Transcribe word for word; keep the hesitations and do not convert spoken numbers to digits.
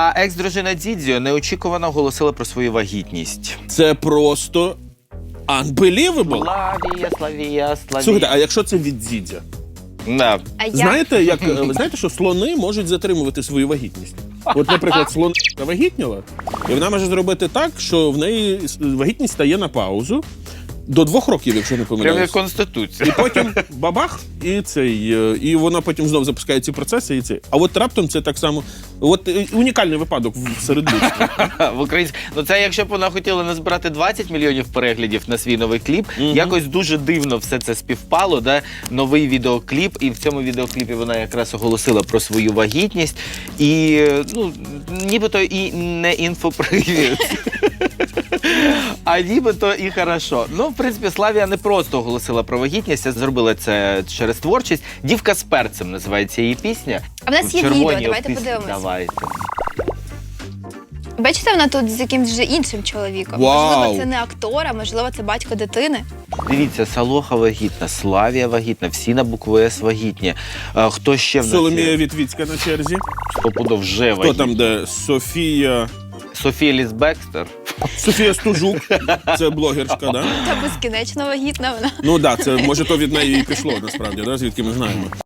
А екс-дружина Дідзьо неочікувано оголосила про свою вагітність. Це просто unbelievable. Славія, Славія, Славія. Слухайте, а якщо це від Дідзя? Да. А я... Знаєте, як, ви знаєте, що слони можуть затримувати свою вагітність? От, наприклад, слон вагітніла, і вона може зробити так, що в неї вагітність стає на паузу до двох років, якщо не Прямо як помиляюсь. Конституція. І потім бабах, і цей, е, і вона потім знов запускає ці процеси, і цей. А от раптом це так само. От е, унікальний випадок в- серед людства. В українськ... Ну це якщо б вона хотіла назбирати двадцять мільйонів переглядів на свій новий кліп, якось дуже дивно все це співпало, да? Новий відеокліп, і в цьому відеокліпі вона якраз оголосила про свою вагітність. І, ну, нібито і не інфопривід. А нібито і хорошо. Ну, в принципі, Славія не просто оголосила про вагітність, а зробила це через творчість. «Дівка з перцем» називається її пісня. А в нас є червоній відео, давайте обтисні. подивимось. Давайте. Бачите, вона тут з якимсь вже іншим чоловіком. Вау! Можливо, це не актор, а можливо, це батько дитини. Дивіться, Салоха вагітна, Славія вагітна, всі на букву С вагітні. А, хто ще в нас Соломія є? Вітвіцька на черзі. Стопудов вже Хто вагітна. там, де Софія... Софія Ліс Бекстер. Софія Стужук, це блогерська, да? Та безкінечно вагітна вона. Ну так, да, це може то від неї і пішло, насправді, да, звідки ми знаємо.